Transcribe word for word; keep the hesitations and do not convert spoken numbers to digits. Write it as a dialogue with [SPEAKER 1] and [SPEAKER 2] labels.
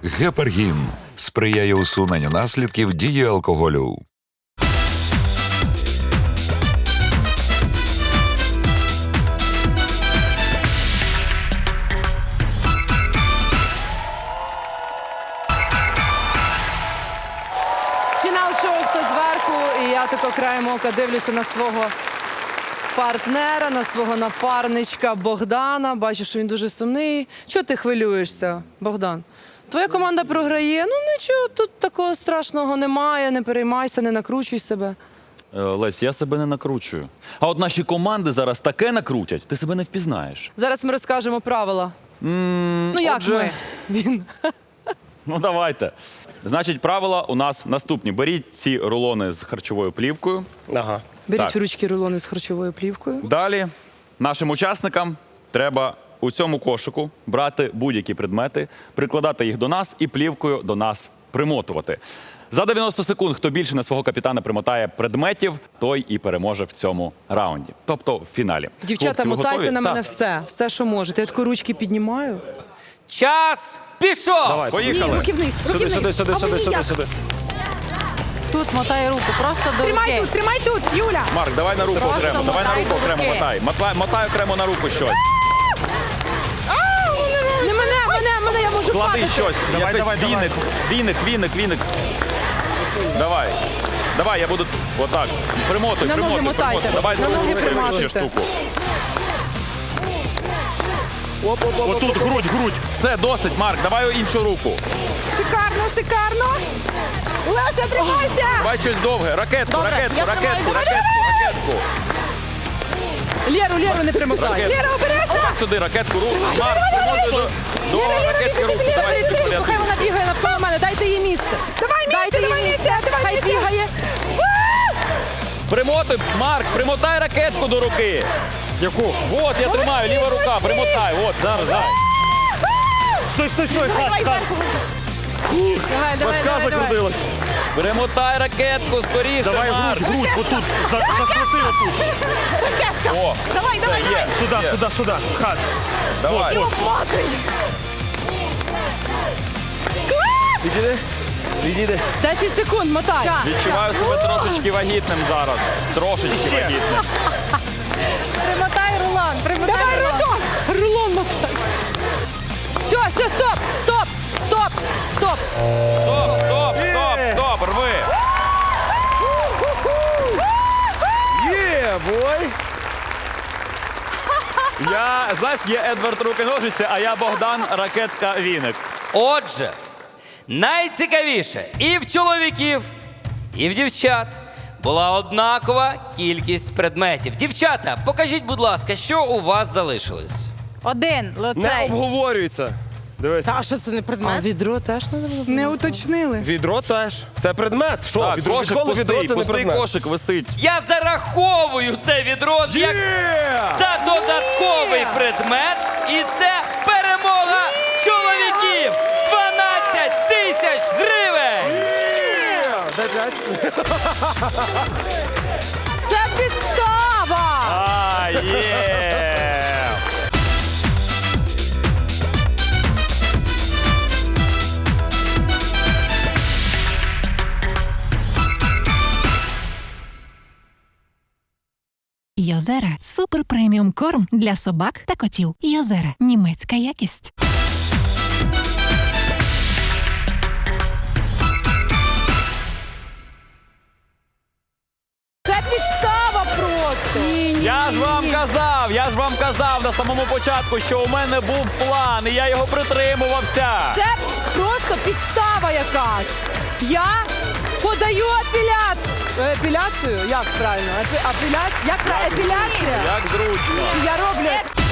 [SPEAKER 1] Гепаргін сприяє усуненню наслідків дії алкоголю.
[SPEAKER 2] Фінал шоу «Хто зверху», і я тако краєм ока дивлюся на свого партнера, на свого напарничка Богдана. Бачу, що він дуже сумний. Чого ти хвилюєшся, Богдан? Твоя команда програє. Ну нічого, тут такого страшного немає. Не переймайся, не накручуй себе.
[SPEAKER 3] Е, Лесь, я себе не накручую. А от наші команди зараз таке накрутять, ти себе не впізнаєш.
[SPEAKER 2] Зараз ми розкажемо правила. Ну як
[SPEAKER 3] отже-
[SPEAKER 2] ми? Він.
[SPEAKER 3] Ну давайте. Значить, правила у нас наступні. Беріть ці рулони з харчовою плівкою.
[SPEAKER 4] Ага.
[SPEAKER 2] Беріть
[SPEAKER 3] Так.
[SPEAKER 2] в ручки рулони з харчовою плівкою.
[SPEAKER 3] Далі нашим учасникам треба у цьому кошику брати будь-які предмети, прикладати їх до нас і плівкою до нас примотувати. За дев'яносто секунд, хто більше на свого капітана примотає предметів, той і переможе в цьому раунді. Тобто в фіналі.
[SPEAKER 2] Дівчата,
[SPEAKER 3] Хлопці, ви
[SPEAKER 2] мотайте
[SPEAKER 3] готові?
[SPEAKER 2] на мене
[SPEAKER 4] Так.
[SPEAKER 2] все. Все, що можете. Я тако ручки піднімаю.
[SPEAKER 5] Час пішов!
[SPEAKER 4] Давай.
[SPEAKER 3] Поїхали.
[SPEAKER 2] Руки вниз, руки
[SPEAKER 4] Сюди,
[SPEAKER 2] вниз.
[SPEAKER 4] сюди, сюди,
[SPEAKER 2] А
[SPEAKER 4] сюди,
[SPEAKER 2] ви
[SPEAKER 4] сюди,
[SPEAKER 2] ніяк.
[SPEAKER 4] сюди.
[SPEAKER 6] Тут мотай руку, просто до
[SPEAKER 2] Тримай
[SPEAKER 6] руки.
[SPEAKER 2] тут, тримай тут, Юля.
[SPEAKER 3] Марк, давай на руку
[SPEAKER 6] Просто
[SPEAKER 3] окремо, давай на
[SPEAKER 6] мотай
[SPEAKER 3] руку
[SPEAKER 6] до
[SPEAKER 3] окремо
[SPEAKER 6] руки.
[SPEAKER 3] мотай. Мотай, мотай окремо на руку щось.
[SPEAKER 2] Не мене, мене, мене, я можу
[SPEAKER 3] Клади
[SPEAKER 2] падати.
[SPEAKER 3] щось.
[SPEAKER 4] Давай,
[SPEAKER 3] Якийсь
[SPEAKER 4] давай, давай.
[SPEAKER 3] віник, віник, віник, віник. Давай. Давай, я буду отак. Примотуй,
[SPEAKER 2] На ноги
[SPEAKER 3] примотуй,
[SPEAKER 2] мотайте.
[SPEAKER 3] примотуй. Давай
[SPEAKER 2] На ноги
[SPEAKER 3] другу ще
[SPEAKER 2] приматуйте.
[SPEAKER 3] штуку.
[SPEAKER 4] Отут, грудь, грудь.
[SPEAKER 3] Все, досить, Марк, давай іншу руку.
[SPEAKER 2] Шикарно, шикарно. Леся, тримайся.
[SPEAKER 3] Давай щось довге. Ракетку,
[SPEAKER 6] Добре,
[SPEAKER 3] ракетку,
[SPEAKER 6] я
[SPEAKER 3] ракетку,
[SPEAKER 6] тримаю.
[SPEAKER 3] ракетку, ракетку.
[SPEAKER 2] Лєру, Лєру не примотай.
[SPEAKER 3] Ракетку.
[SPEAKER 2] Лєра, обережно.
[SPEAKER 3] Давай сюди, ракетку, руку. Марк, примотуй до, до ракетки руку. Давай сюди
[SPEAKER 2] Хай
[SPEAKER 3] порядку.
[SPEAKER 2] вона бігає навколо мене, дайте їй місце. Давай місце, давай місце, хай бігає.
[SPEAKER 3] Примотуй, Марк, примотай ракетку до руки.
[SPEAKER 4] Яку?
[SPEAKER 3] От, я тримаю, ліва рука, примотай. От, зараз, зараз.
[SPEAKER 4] Стой, стой, стой, хас, хас.
[SPEAKER 6] Давай, давай,
[SPEAKER 4] Башка
[SPEAKER 6] давай, давай.
[SPEAKER 4] закрутилась.
[SPEAKER 3] Примотай ракетку, скоріше,
[SPEAKER 4] Давай
[SPEAKER 3] Марк.
[SPEAKER 4] грудь, грудь, отут. За- Закрути отут.
[SPEAKER 3] О,
[SPEAKER 6] Давай, давай,
[SPEAKER 3] все, є.
[SPEAKER 4] Сюди,
[SPEAKER 3] Є.
[SPEAKER 4] сюди, сюди. Хас.
[SPEAKER 3] Давай.
[SPEAKER 4] Відійди. Відійди.
[SPEAKER 2] десять секунд, мотай.
[SPEAKER 3] Відчуваю себе трошечки вагітним зараз. Трошечки
[SPEAKER 4] Ще.
[SPEAKER 3] вагітним.
[SPEAKER 6] Примотай рулон, примотай
[SPEAKER 2] Давай
[SPEAKER 6] рулон.
[SPEAKER 2] рулон. Рулон мотай. Все, все, стоп, стоп, стоп, стоп.
[SPEAKER 3] Стоп, стоп, стоп, стоп, рви.
[SPEAKER 4] Є, бой.
[SPEAKER 3] Я, знаєш, є Едвард руки-ножиці, а я Богдан ракетка-віник.
[SPEAKER 5] Отже, найцікавіше і в чоловіків, і в дівчат була однакова кількість предметів. Дівчата, покажіть, будь ласка, що у вас залишилось?
[SPEAKER 6] Один,
[SPEAKER 4] Не
[SPEAKER 6] лицей.
[SPEAKER 4] обговорюється. Дивись.
[SPEAKER 2] А що це не предмет? А відро теж не було? Не уточнили.
[SPEAKER 4] Відро теж. Це предмет. Що?
[SPEAKER 3] Так,
[SPEAKER 4] відро,
[SPEAKER 3] кошик
[SPEAKER 4] відколи відро
[SPEAKER 3] пустий,
[SPEAKER 4] це не
[SPEAKER 3] пустий
[SPEAKER 4] предмет?
[SPEAKER 3] кошик висить.
[SPEAKER 5] Я зараховую це відро як за додатковий предмет, і це перемога чоловіків! дванадцять тисяч гривень!
[SPEAKER 4] Дай п'ять.
[SPEAKER 2] Це підстава!
[SPEAKER 3] А, є!
[SPEAKER 7] Йозера – супер преміум корм для собак та котів. Йозера – німецька якість.
[SPEAKER 2] Це підстава просто! Ні, ні,
[SPEAKER 3] Я ж вам казав, я ж вам казав на самому початку, що у мене був план, і я його притримувався.
[SPEAKER 2] Це просто підстава якась. Я подаю апеляцію. Апеляцію? Як правильно? Апеляція? Як правильно? Епіляція?
[SPEAKER 3] Як зручно.
[SPEAKER 2] Я роблю